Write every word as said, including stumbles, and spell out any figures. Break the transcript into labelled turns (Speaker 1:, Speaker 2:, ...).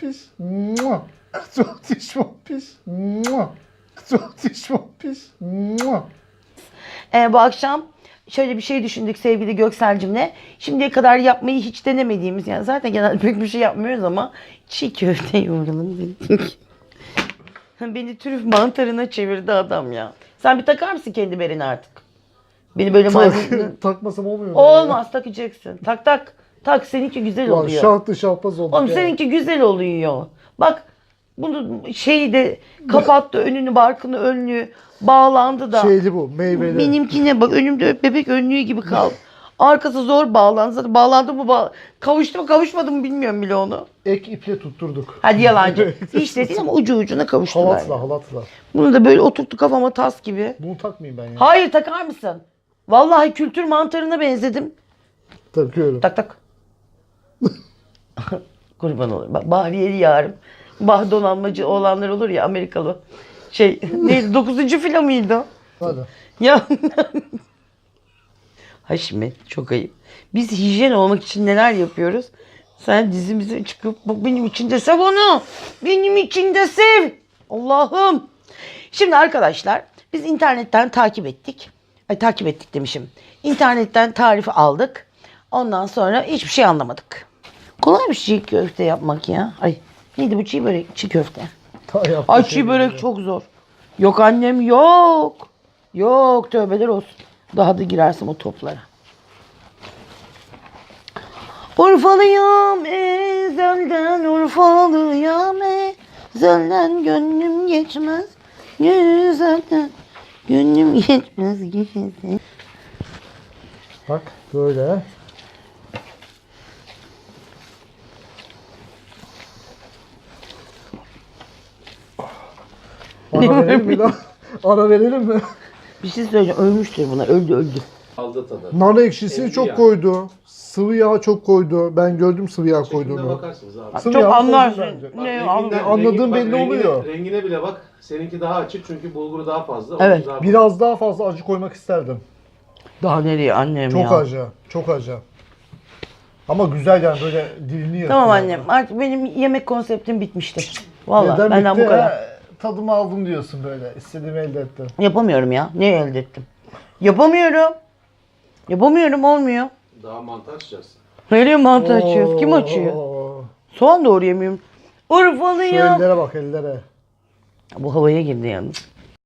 Speaker 1: piş. Mua. Zotiş mon piş. Mua. Zotiş mon piş. Mua.
Speaker 2: Ee, bu akşam şöyle bir şey düşündük sevgili Göksel'cimle. Şimdiye kadar yapmayı hiç denemediğimiz, yani zaten genelde pek bir şey yapmıyoruz ama çiğ köfte yoğuralım dedik. Beni trüf mantarına çevirdi adam ya. Sen bir takar mısın kendi berini artık? Beni böyle maymun...
Speaker 1: Takmasam olmuyor mu?
Speaker 2: Olmaz, takacaksın. Tak tak. Tak, seninki güzel
Speaker 1: Ulan
Speaker 2: oluyor.
Speaker 1: şahtı şahbaz olduk
Speaker 2: Oğlum
Speaker 1: ya.
Speaker 2: seninki güzel oluyor. Bak bunu şeyi de kapattı, önünü barkını önlüğü bağlandı da.
Speaker 1: Şeyli bu, meyveli.
Speaker 2: Benimkine bak, önümde bebek önlüğü gibi kaldı. Arkası zor bağlandı. Zaten bağlandı mı bağ... kavuştu mu kavuşmadı mı bilmiyorum bile onu.
Speaker 1: Ek iple tutturduk.
Speaker 2: Hadi yalancı. Hiç de değil ama ucu ucuna kavuştular.
Speaker 1: Halatla
Speaker 2: yani.
Speaker 1: halatla.
Speaker 2: Bunu da böyle oturttu kafama tas gibi.
Speaker 1: Bunu takmayayım ben ya.
Speaker 2: Hayır, takar mısın? Vallahi kültür mantarına benzedim.
Speaker 1: Takıyorum.
Speaker 2: Tak tak. Kurban olayım. Bak, Bahriyeli yarım. Bah donanmacı olanlar olur ya, Amerikalı. Şey neydi? Dokuzuncu filo muydu o?
Speaker 1: Hadi.
Speaker 2: Ya Haşmet, çok ayıp. Biz hijyen olmak için neler yapıyoruz? Sen dizimize çıkıp bak benim için de sev onu. Benim için de sev. Allah'ım. Şimdi arkadaşlar biz internetten takip ettik. Ay takip ettik demişim. İnternetten tarifi aldık. Ondan sonra hiçbir şey anlamadık. Kolay bir çiğ köfte yapmak ya. Ay neydi bu çiğ börek? Çiğ köfte.
Speaker 1: Ta yaptı
Speaker 2: Ay
Speaker 1: şey
Speaker 2: çiğ börek
Speaker 1: böyle.
Speaker 2: çok zor. Yok annem yok. Yok, tövbeler olsun. Daha da girersem o toplara. Urfalıyım ezelden, Urfalıyım ezelden, gönlüm geçmez güzelden, gönlüm geçmez güzelden.
Speaker 1: Bak böyle. Ara verelim mi lan? Ara verelim mi?
Speaker 2: Bir şey söyleyeceğim, ölmüştür buna, öldü öldü.
Speaker 3: Aldı tadı.
Speaker 1: Nar ekşisi
Speaker 3: Sevdi
Speaker 1: çok
Speaker 3: ya.
Speaker 1: koydu. Sıvı yağ çok koydu. Ben gördüm sıvı yağ
Speaker 3: Şeklinde
Speaker 1: koyduğunu.
Speaker 3: bakarsınız abi.
Speaker 1: Sıvı
Speaker 2: Çok
Speaker 1: yağ
Speaker 2: anlarsın.
Speaker 1: koydu bence.
Speaker 3: Bak,
Speaker 2: Ne
Speaker 3: renginden-
Speaker 2: anladın?
Speaker 1: Anladığım
Speaker 3: bak,
Speaker 1: belli
Speaker 3: rengine-
Speaker 1: oluyor.
Speaker 3: Rengine bile bak. Seninki daha açık çünkü bulguru daha fazla.
Speaker 2: Evet.
Speaker 3: onunki daha
Speaker 1: Biraz daha fazla acı koymak isterdim.
Speaker 2: Daha nereye annem
Speaker 1: Çok
Speaker 2: ya?
Speaker 1: acı. Çok acı. Ama güzel yani böyle dilini yakıyor.
Speaker 2: Tamam annem, artık benim yemek konseptim bitmiştir. Vallahi
Speaker 1: Neden
Speaker 2: benden
Speaker 1: bitti?
Speaker 2: bu kadar.
Speaker 1: He, Tadımı aldım diyorsun böyle. İstediğimi elde ettim.
Speaker 2: Yapamıyorum ya. Ne elde ettim? Yapamıyorum. Yapamıyorum, olmuyor.
Speaker 3: Daha mantar açacağız.
Speaker 2: Nereye mantı açıyoruz? Kim açıyor?
Speaker 1: Oo.
Speaker 2: Soğan doğrayamıyorum.
Speaker 1: Şu
Speaker 2: Urfalıyım.
Speaker 1: ellere bak ellere.
Speaker 2: Bu havaya girdi yalnız.